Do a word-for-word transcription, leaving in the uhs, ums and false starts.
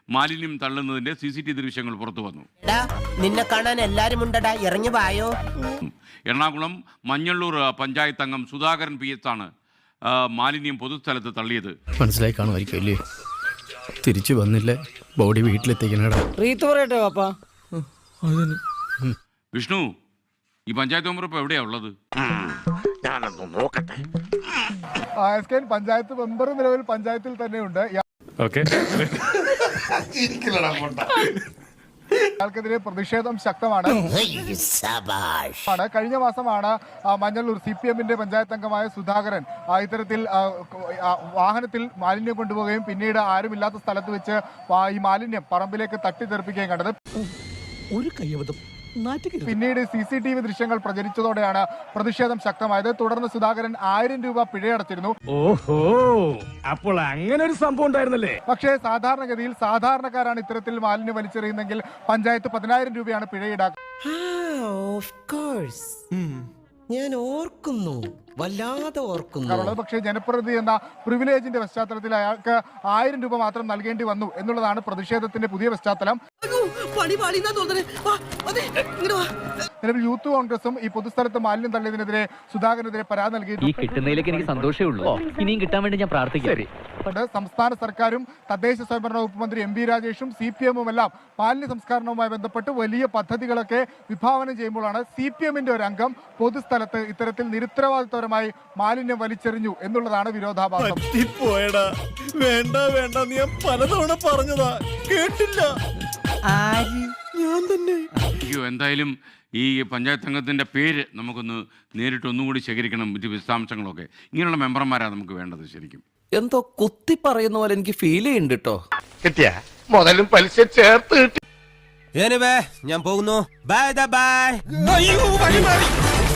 മാലിന്യം തള്ളുന്നതിന്റെ C C T V ദൃശ്യങ്ങൾ പുറത്തു വന്നു. നിന്നെ കാണാൻ എല്ലാരും ഉണ്ടടാ, ഇറങ്ങി വായോ. എറണാകുളം മഞ്ഞള്ളൂർ പഞ്ചായത്ത് അംഗം സുധാകരൻ പി എസ് ആണ് മാലിന്യം പൊതുസ്ഥലത്ത് തള്ളിയത്. മനസ്സിലായി കാണുമായിരിക്കും അല്ലേ? തിരിച്ചു വന്നില്ല, ബോഡി വീട്ടിലെത്തിക്കണടാ. വിഷ്ണു, ഈ പഞ്ചായത്ത് മെമ്പർ ഇപ്പൊ എവിടെയാ ഉള്ളത്? പഞ്ചായത്ത് മെമ്പർ നിലവിൽ പഞ്ചായത്തിൽ തന്നെയുണ്ട്. അയാൾക്കെതിരെ പ്രതിഷേധം ശക്തമാണ്. കഴിഞ്ഞ മാസമാണ് മഞ്ഞളൂർ സി പി എമ്മിന്റെ പഞ്ചായത്ത് അംഗമായ സുധാകരൻ ഇത്തരത്തിൽ വാഹനത്തിൽ മാലിന്യം കൊണ്ടുപോവുകയും പിന്നീട് ആരുമില്ലാത്ത സ്ഥലത്ത് വെച്ച് ഈ മാലിന്യം പറമ്പിലേക്ക് തട്ടിത്തെറിപ്പിക്കുകയും കണ്ടത്. ഒരു കയ്യബദ്ധം. പിന്നീട് സി സി ടി വി ദൃശ്യങ്ങൾ പ്രചരിച്ചതോടെയാണ് പ്രതിഷേധം ശക്തമായത്. തുടർന്ന് സുധാകരൻ ആയിരം രൂപ പിഴയടച്ചിരുന്നു. ഓഹോ, അപ്പോൾ അങ്ങനെ ഒരു സംഭവം ഉണ്ടായിരുന്നല്ലേ? പക്ഷേ സാധാരണഗതിയിൽ സാധാരണക്കാരാണ് ഇത്തരത്തിൽ മാലിന്യം വലിച്ചെറിയുന്നെങ്കിൽ പഞ്ചായത്ത് പതിനായിരം രൂപയാണ് പിഴ ഈടാക്കുക. ഞാൻ ഓർക്കുന്നു, വല്ലാതെ ഓർക്കുന്നു. പക്ഷേ ജനപ്രതിനിധി എന്ന പ്രിവിലേജിന്റെ പശ്ചാത്തലത്തിൽ അയാൾക്ക് ആയിരം രൂപ മാത്രം നൽകേണ്ടി വന്നു എന്നുള്ളതാണ് പ്രതിഷേധത്തിന്റെ പുതിയ പശ്ചാത്തലം. നിലവിൽ യൂത്ത് കോൺഗ്രസും ഈ പൊതുസ്ഥലത്ത് മാലിന്യം തള്ളിയതിനെതിരെ സുധാകരനെതിരെ പരാതി നൽകിയിട്ടുണ്ട്. എനിക്ക് സന്തോഷമേ ഉള്ളൂ. ഇനിയും കിട്ടാൻ വേണ്ടി ഞാൻ പ്രാർത്ഥിക്കാം. സംസ്ഥാന സർക്കാരും തദ്ദേശ സ്വയംഭരണ വകുപ്പ് മന്ത്രി എം പി രാജേഷും സി പി എമ്മും എല്ലാം മാലിന്യ സംസ്കരണവുമായി ബന്ധപ്പെട്ട് വലിയ പദ്ധതികളൊക്കെ വിഭാവനം ചെയ്യുമ്പോഴാണ് സി പി എമ്മിന്റെ ഒരു അംഗം പൊതുസ്ഥലത്ത് ഇത്തരത്തിൽ നിരുത്തരവാദിത്വപരമായി മാലിന്യം വലിച്ചെറിഞ്ഞു എന്നുള്ളതാണ് വിരോധാഭാസം. വേണ്ട വേണ്ട, ഞാൻ പലതവണ പറഞ്ഞതാ, കേട്ടില്ല. ഞാൻ തന്നെ. അയ്യോ, എന്തായാലും ഈ പഞ്ചായത്ത് അംഗത്തിന്റെ പേര് നമുക്കൊന്ന് നേരിട്ട് ഒന്നുകൂടി ശേഖരിക്കണം, വിശദാംശങ്ങളൊക്കെ. ഇങ്ങനെയുള്ള മെമ്പർമാരാണ് നമുക്ക് വേണ്ടത്. ശരിക്കും എന്തോ കുത്തി പറയുന്ന പോലെ എനിക്ക് ഫീൽ ചെയ്യുന്നുണ്ട് കേട്ടോ. കിട്ടിയ മുതലും പലിശ ചേർത്ത് കിട്ടി. ഞാൻ പോകുന്നു. Bye by.